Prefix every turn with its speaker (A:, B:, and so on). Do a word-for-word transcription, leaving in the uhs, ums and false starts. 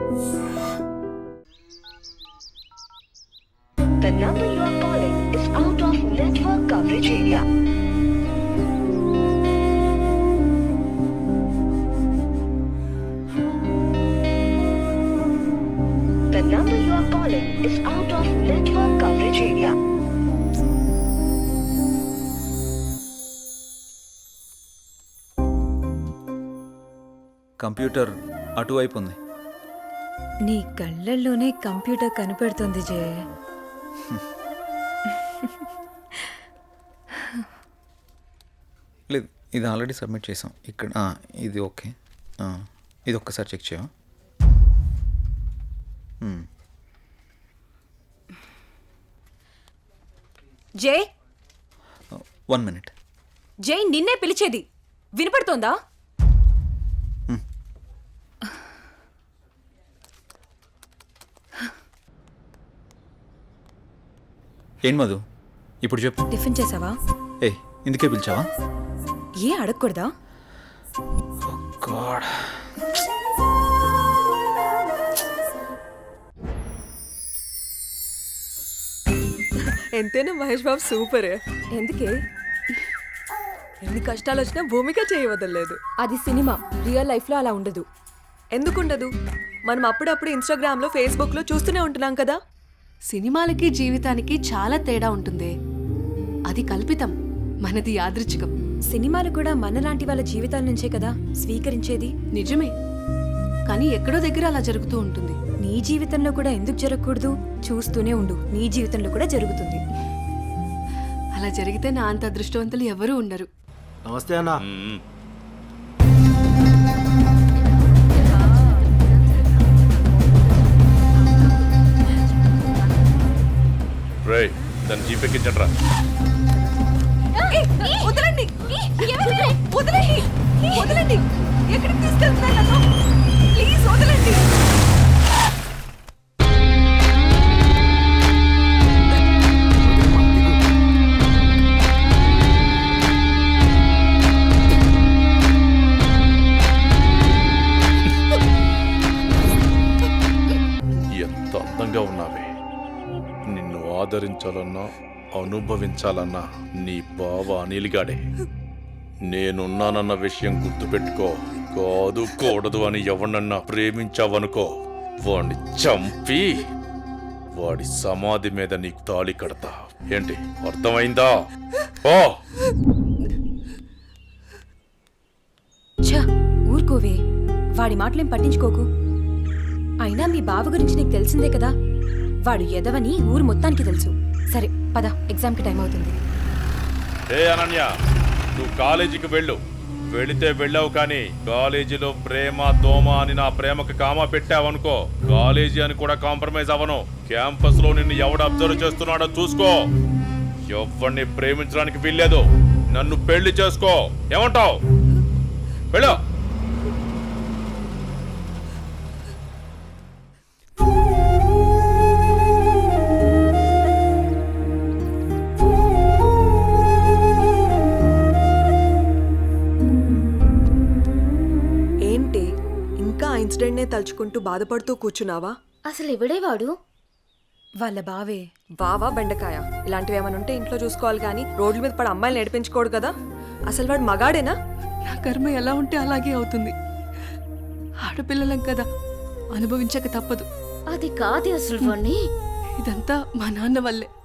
A: The number you are calling is out of network coverage area. The number you are calling is out of network coverage area.
B: Computer అటువైపు ఉంది.
C: నీ కళ్ళల్లోనే computer కనపడుతుంది జయ.
B: లేదు, ఇది already submit చేసాం. ఇక్కడ ఆ, ఇది ఓకే. ఆ, ఇది ఒక్కసారి చెక్ చేయవా? మ్మ్.
C: జై
B: వన్ మినిట్.
C: జై నిన్నే పిలిచేది వినపడుతోందా?
B: ఏం మధు, ఇప్పుడు చెప్పు.
C: టిఫిన్ చేసావా?
B: ఏ ఇందుకే పిలిచావా?
C: ఏ అడగకూడదా?
B: గాడ్,
D: ఎంతైనా మహేష్ బాబు సూపర్.
C: ఎందుకే?
D: ఎన్ని కష్టాలు వచ్చినా భూమిక చేయవదలేదు.
C: అది సినిమా, రియల్ లైఫ్ లో అలా ఉండదు.
D: ఎందుకుండదు? మనం అప్పుడప్పుడు ఇన్స్టాగ్రామ్ లో ఫేస్బుక్ లో చూస్తూనే ఉంటున్నాం కదా.
E: సినిమాలకి జీవితానికి చాలా తేడా ఉంటుంది. అది కల్పితం, మనది యాదృచ్ఛికం.
C: సినిమాలు కూడా మనలాంటి వాళ్ళ జీవితాల నుంచే కదా స్వీకరించేది.
E: నిజమే, కానీ ఎక్కడో దగ్గర అలా జరుగుతూ ఉంటుంది.
C: నీ జీవితంలో కూడా ఎందుకు జరగకూడదు? చూస్తూనే ఉండు, నీ జీవితంలో కూడా జరుగుతుంది.
E: అలా జరిగితే నా అంత అదృష్టవంతులు ఎవరూ ఉండరు.
F: నమస్తే అన్న.
G: రేయ్, దాన్ని జీపెక్కించట్రా.
D: వదలండి, వదలండి, వదలండి. ఎక్కడికి తీసుకెళ్తున్నారు నన్ను? ప్లీజ్ వదలండి.
G: ఎంత అందంగా ఉన్నావే. నిన్ను ఆదరించాలన్నా అనుభవించాలన్నా నీ బావ అనిల్గాడే. నేనున్నానన్న విషయం గుర్తుపెట్టుకో. కాదు కూడదు అని ఎవరినన్నా ప్రేమించావనుకో, వాడిని చంపి వాడి సమాధి మీద నీకు తాళి కడతా. ఏంటి, అర్థమైందా? ఓ
C: ఛ, ఊరుకోవే, వాడి మాటలేం పట్టించుకోకు. అయినా మీ బావ గురించి నీకు తెలిసిందే కదా. వాడు ఎదవని ఊరు మొత్తానికి తెలుసు. సరే పద, ఎగ్జామ్కి టైం అవుతుంది.
G: ఏ అనన్య, నువ్వు కాలేజీకి వెళ్ళు. వెళితే వెళ్ళావు, కానీ కాలేజీలో ప్రేమ దోమ అని నా ప్రేమకు కామా పెట్టావనుకో, కాలేజీ అని కూడా కాంప్రమైజ్ అవ్వను. క్యాంపస్ లో నిన్ను ఎవడు అబ్జర్వ్ చేస్తున్నాడో చూసుకో. ఎవరిని ప్రేమించడానికి వీల్లేదు. నన్ను పెళ్లి చేసుకో. ఏమంటావు? వెళ్ళు.
D: ఏంటి ఇంకా ఇన్సిడెంట్ నే తలుచుకుంటూ బాధపడుతూ కూర్చున్నావా?
H: అసలు ఎవడే వాడు?
C: వాళ్ళ బావే.
D: బావా బెండకాయ ఇలాంటివి ఏమైనా ఉంటే ఇంట్లో చూసుకోవాలి, కానీ రోడ్ల మీద పడి అమ్మాయిలు నేర్పించుకోడు కదా. అసలు వాడు మగాడేనా?
E: నా కర్మ ఎలా ఉంటే అలాగే అవుతుంది. ఆడపిల్లలం కదా, అనుభవించక తప్పదు.
H: అది కాదు అసలు వాణ్ణి.
E: ఇదంతా మా నాన్న వల్లే.